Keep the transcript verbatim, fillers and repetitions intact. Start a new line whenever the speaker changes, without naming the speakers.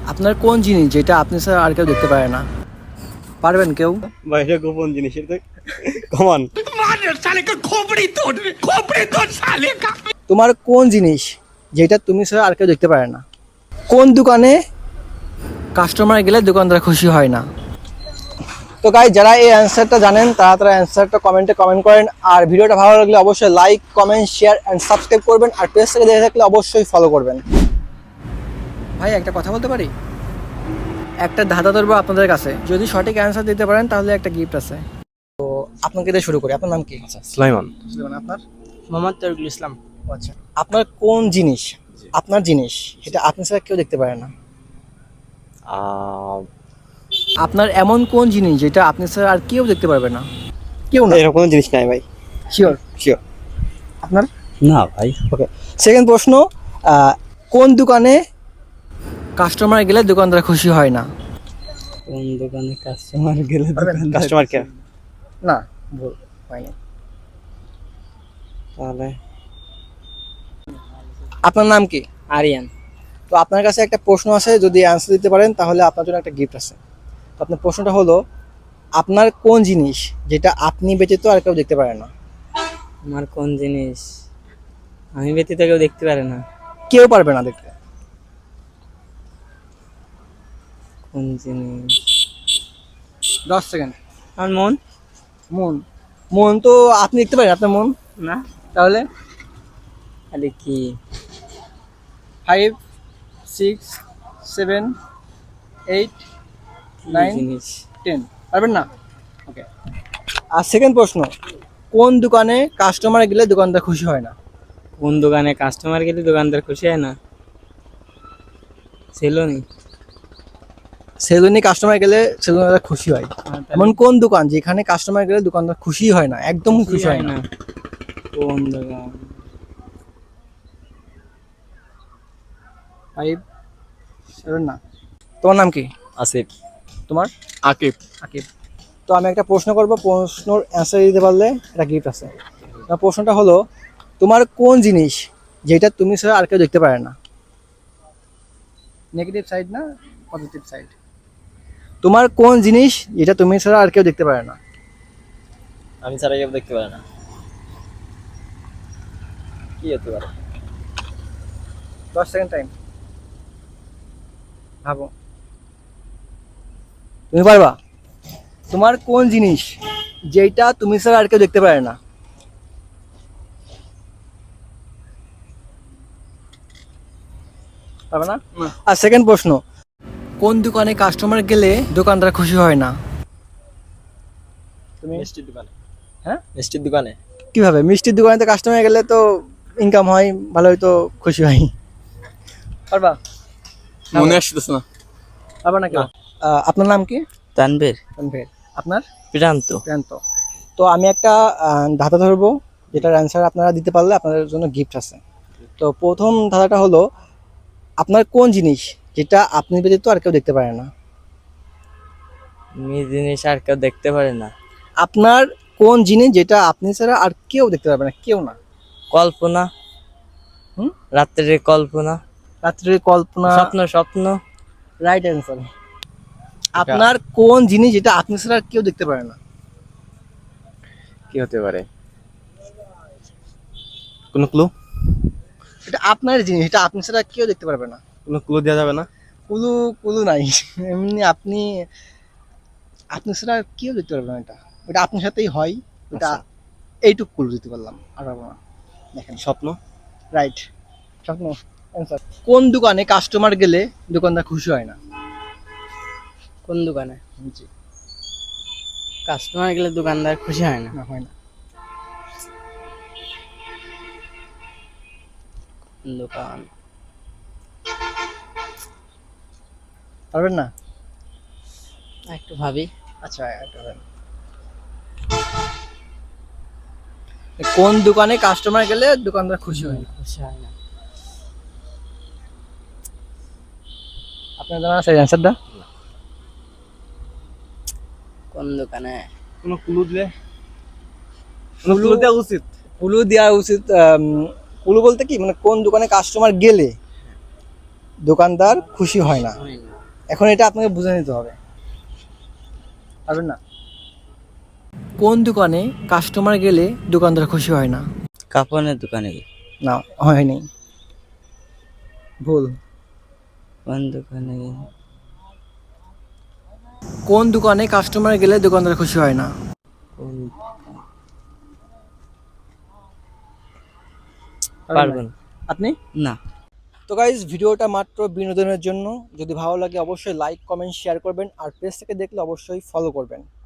আপনার কোন জিনিস যেটা আপনি ছাড়া আর কেউ দেখতে পারে না? পারবেন কেউ?
বাইরে গোপন জিনিস এটা কমান।
তোমার কোন জিনিস যেটা তুমি ছাড়া আর কেউ দেখতে পারে না? কোন দোকানে কাস্টমার গেলে দোকানদার খুশি হয় না? তো গাইস, যারা এই অ্যান্সারটা জানেন তারা তারা অ্যান্সারটা কমেন্টে কমেন্ট করেন। আর ভিডিওটা ভালো লাগলে অবশ্যই like, comment, share and subscribe করবেন। আর পেজ থেকে দেখে থাকলে অবশ্যই ফলো করবেন। ভাই, একটা কথা বলতে পারি? একটা ধাঁধা ধরবো আপনাদের কাছে, যদি সঠিক অ্যান্সার দিতে পারেন তাহলে একটা গিফট আছে। তো আপনাকে দিয়ে শুরু করি। আপনার নাম কি?
আচ্ছা, সুলাইমান।
সুলেমান। আপনার?
মোহাম্মদ তরিকুল ইসলাম।
আচ্ছা, আপনার কোন জিনিস, আপনার জিনিস এটা আপনি ছাড়া কেউ দেখতে পারে না?
আহ,
আপনার এমন কোন জিনিস যেটা আপনি ছাড়া আর কেউ দেখতে পারবে না? কেউ না?
এরকম কোনো জিনিস নাই ভাই।
শিওর?
শিওর।
আপনার?
না ভাই।
ওকে, সেকেন্ড প্রশ্ন। আহ, কোন দোকানে কাস্টমার গেলে দোকানদার খুশি হয় না?
কোন দোকানে কাস্টমার গেলে
কাস্টমার কেয়ার।
না, ভুল হয়নি।
তাহলে
আপনার নাম কি?
আরিয়ান।
তো আপনার কাছে একটা প্রশ্ন আছে, যদি অ্যান্সার দিতে পারেন তাহলে আপনার জন্য একটা গিফট আছে। তো আপনার প্রশ্নটা হলো, আপনার কোন জিনিস যেটা আপনি ব্যতীত আর কেউ দেখতে পারে না?
আমার কোন জিনিস আমি ব্যতীত কেউ দেখতে পারে না?
কেউ পারবে না দেখতে।
কোন জিনিস?
দশ সেকেন্ড।
আমার মন।
মন? মন তো আপনি দেখতে পারেন আপনার মন।
না,
তাহলে
আরে কি?
ফাইভ, সিক্স, সেভেন, এইট,
কি
নাইন,
জিনিস?
টেন। পারবেন না? ওকে। আর সেকেন্ড প্রশ্ন, কোন দোকানে কাস্টমার গেলে দোকানদার খুশি হয় না?
কোন দোকানে কাস্টমার গেলে দোকানদার খুশি হয় না? সেলুনি।
সেলুনে কাস্টমার গেলে সেলুনদার খুশি হয়। এমন কোন দোকান যেখানে কাস্টমার গেলে দোকানদার খুশি হয় না, একদম খুশি হয় না?
কোন দোকান?
ফাইভ, সেভেন, না। তোমার নাম কি?
আসিফ।
তোমার?
আকিব।
আকিব। তো আমি একটা প্রশ্ন করবো, প্রশ্নর অ্যান্সার দিতে পারলে একটা গিফট আছে। আমার প্রশ্নটা হলো, তোমার কোন জিনিস যেটা তুমি ছাড়া আর কেউ দেখতে পারে না? নেগেটিভ সাইড না, পজিটিভ সাইড। তোমার কোন জিনিস যেটা তুমি ছাড়া আর কেউ দেখতে পারে না?
আমি ছাড়া কেউ দেখতে পারে না। কি হতে পারে?
দশ সেকেন্ড টাইম, ভাবো। তুমি পারবা? তোমার কোন জিনিস যেটা তুমি ছাড়া আর কেউ দেখতে পারে না? পারবে না? আর সেকেন্ড প্রশ্ন, কোন দোকানে কাস্টমার গেলে দোকানদার খুশি হয় না? তুমি?
মিষ্টির দোকানে।
হ্যাঁ?
মিষ্টির দোকানে।
কিভাবে? মিষ্টির দোকানে তো কাস্টমার গেলে তো ইনকাম হয়, ভালোই তো খুশি হয়। পারবা?
মনে আসতেছে না।
পারবা না কেউ? আহ, আপনার নাম কি?
তানভীর।
তানভীর। আপনার?
প্রান্ত।
প্রান্ত। তো আমি একটা আহ, ধাঁধা ধরবো, যেটার অ্যান্সার আপনারা দিতে পারলে আপনাদের জন্য গিফট আছে। তো প্রথম ধাঁধাটা হলো, আপনার কোন জিনিস যেটা আপনি ব্যতীত আর কেউ দেখতে পারে না?
মি জিনিস আর কেউ দেখতে পারে না?
আপনার কোন জিনিস যেটা আপনি ছাড়া আর কেউ দেখতে পারবে না? কেউ না।
কল্পনা।
হুম?
রাত্রের কল্পনা।
রাত্রির কল্পনা।
স্বপ্ন। স্বপ্ন।
Right answer. আপনার কোন জিনিস যেটা আপনি ছাড়া আর কেউ দেখতে পারে না?
কি হতে পারে? কোনো ক্লু?
এটা আপনার জিনিস, এটা আপনি ছাড়া কেউ দেখতে পারবে না।
কোনো ক্লু দেওয়া যাবে না?
কুলু কুলু নাই। এমনি আপনি আপনি ছাড়া আর কেউ দেখতে পারবে না। এটা এটা আপনার সাথেই হয়। এটা
আচ্ছা।
এইটুকু কুলু দিতে পারলাম, আর পারবো না। দেখেন,
স্বপ্ন।
রাইট। স্বপ্ন অ্যান্সার। কোন দোকানে কাস্টমার গেলে দোকানদার খুশি হয় না?
কোন দোকানে
জি।
কাস্টমার গেলে দোকানদার খুশি হয় না?
না, হয় না।
কোন দোকান?
পারবেন না?
একটু ভাবি।
আচ্ছা, এটা বলেন। কোন দোকানে কাস্টমার গেলে দোকানদার খুশি হয় না?
খুশি হয় না।
আপনার জানা আছে অ্যান্সারটা?
কোন দোকানে?
কোনো ক্লু দিলে? কোনো ক্লু দেওয়া উচিত।
কুলু দেওয়া উচিত। আম, কুলু বলতে কি, মানে কোন দোকানে কাস্টমার গেলে দোকানদার খুশি হয় না।
হয় না।
এখন এটা আপনাকে বুঝে নিতে হবে, পারবেন না? কোন দোকানে কাস্টমার গেলে দোকানদার খুশি হয় না?
কাপড়ের দোকানে।
না, হয়নি, ভুল।
কোন দোকানে?
কোন দোকানে কাস্টমার গেলে দোকানদার খুশি হয় না?
পারবেন
আপনি?
না।
তো গাইজ, ভিডিওটা মাত্র বিনোদনের জন্য। যদি ভালো লাগে অবশ্যই লাইক কমেন্ট শেয়ার করবেন, আর পেজ থেকে দেখলে অবশ্যই ফলো করবেন।